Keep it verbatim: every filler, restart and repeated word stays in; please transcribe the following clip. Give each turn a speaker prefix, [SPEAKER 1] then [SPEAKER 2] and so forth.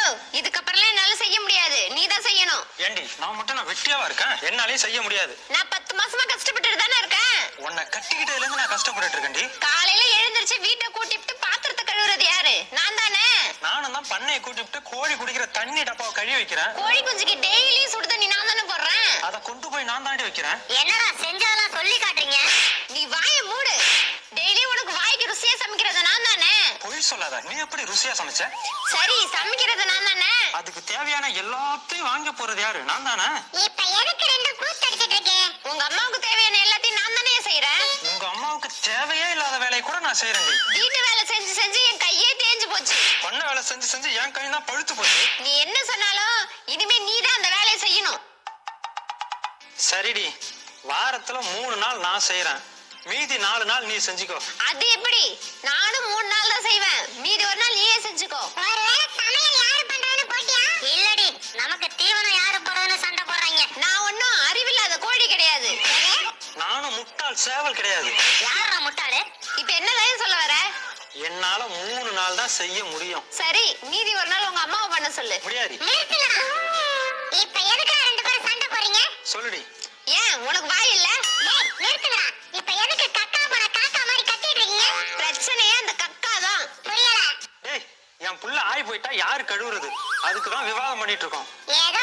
[SPEAKER 1] இதுக்கப்புறம்லாம் என்னால செய்ய முடியாது, நீ தான் செய்யணும்.
[SPEAKER 2] ஏண்டி நான் மட்டும் நான் வெட்டியாவா இருக்கேன்? என்னாலே செய்ய முடியாது.
[SPEAKER 1] நான் பத்து மாசமா கஷ்டப்பட்டுட்டு தானே இருக்கேன்.
[SPEAKER 2] உன்னை கட்டிக்கிட்டதுல இருந்து நான் கஷ்டப்பட்டுட்டு இருக்கேன்டி.
[SPEAKER 1] காலையில எழுந்திருச்சு வீட்டை கூட்டிட்டு பாத்திரத்தை கழுவுறது யாரு? நான் தானே.
[SPEAKER 2] நானும் தான் பண்ணையை கூட்டிட்டு கோழி குடிக்கிற தண்ணி டப்பாவை கழுவி வைக்கிறேன்.
[SPEAKER 1] கோழி குஞ்சுக்கு டெய்லி சுடு தண்ணி நான் தானே போடுறேன்.
[SPEAKER 2] அதை கொண்டு போய் நான் தாண்டி வைக்கிறேன்.
[SPEAKER 1] என்னடா செஞ்சதெல்லாம் சொல்லி காட்டுறீங்க? நீ வாயை மூடு. டெய்லி உனக்கு வாய்க்கு ருசியா சமைக்கிறது நான் தானே.
[SPEAKER 2] பொய் சொல்லாத. நீ எப்படி ருசியா சமைச்ச?
[SPEAKER 1] சரி, சமைக்கிறது நான் தானே.
[SPEAKER 2] அதுக்கு தேவையான எல்லாத்தையும் வாங்க போறது யாரு? நான் தானே.
[SPEAKER 1] இப்ப எதுக்கு ரெண்டு கூத்து அடிச்சிட்டு இருக்கே? உங்க அம்மாவுக்கு தேவையான எல்லாத்தையும் நான் தானே செய்யறேன்.
[SPEAKER 2] உங்க அம்மாவுக்கு தேவையே இல்லாத வேலையை கூட நான் செய்யறேன்.
[SPEAKER 1] வீட்டு வேலை செஞ்சு செஞ்சு என் கையே தேஞ்சு போச்சு.
[SPEAKER 2] பண்ண வேலை செஞ்சு செஞ்சு என் கை தான் பழுத்து போச்சு.
[SPEAKER 1] நீ என்ன சொன்னாலும் இனிமே நீ தான் அந்த வேலையை செய்யணும்.
[SPEAKER 2] சரிடி, வாரத்துல மூணு நாள் நான் செய்யறேன், மீதி நாலு நாள் நீ செஞ்சுக்கோ.
[SPEAKER 1] அது எப்படி? நானும் மூணு நாள் தான் செய்வேன், மீதி ஒரு நாள் நீயே செஞ்சுக்கோ. ஒருவேளை சமையல் யாரு பண்றதுன்னு போட்டியா? இல்லடி, நமக்கு தீவனம் யாரு போடுறதுன்னு சண்டை போடுறாங்க. நான் ஒன்னும் அறிவில்லாத கோழி கிடையாது.
[SPEAKER 2] நானும் முட்டாள் சேவல் கிடையாது.
[SPEAKER 1] யாரா முட்டாளு? இப்ப என்னதான் சொல்ல வர?
[SPEAKER 2] என்னால மூணு நாள் தான் செய்ய முடியும்.
[SPEAKER 1] சரி, மீதி ஒரு நாள் உங்க அம்மாவை பண்ண சொல்லு.
[SPEAKER 2] முடியாது.
[SPEAKER 1] இப்ப எதுக்கு ரெண்டு பேரும் சண்டை போறீங்க?
[SPEAKER 2] சொல்லுடி.
[SPEAKER 1] ஏன் உனக்கு வாய் இல்ல? நிறுத்துடா. இப்ப எதுக்கு கக்கா போற காக்கா மாதிரி கத்திட்டு இருக்கீங்க? பிரச்சனையே அந்த கக்கா தான். புரியல?
[SPEAKER 2] டேய், என் புள்ள ஆய் போயிட்டா யாரு கழுவுறது? அதுக்கு தான் விவாதம் பண்ணிட்டு இருக்கோம்.
[SPEAKER 1] ஏதோ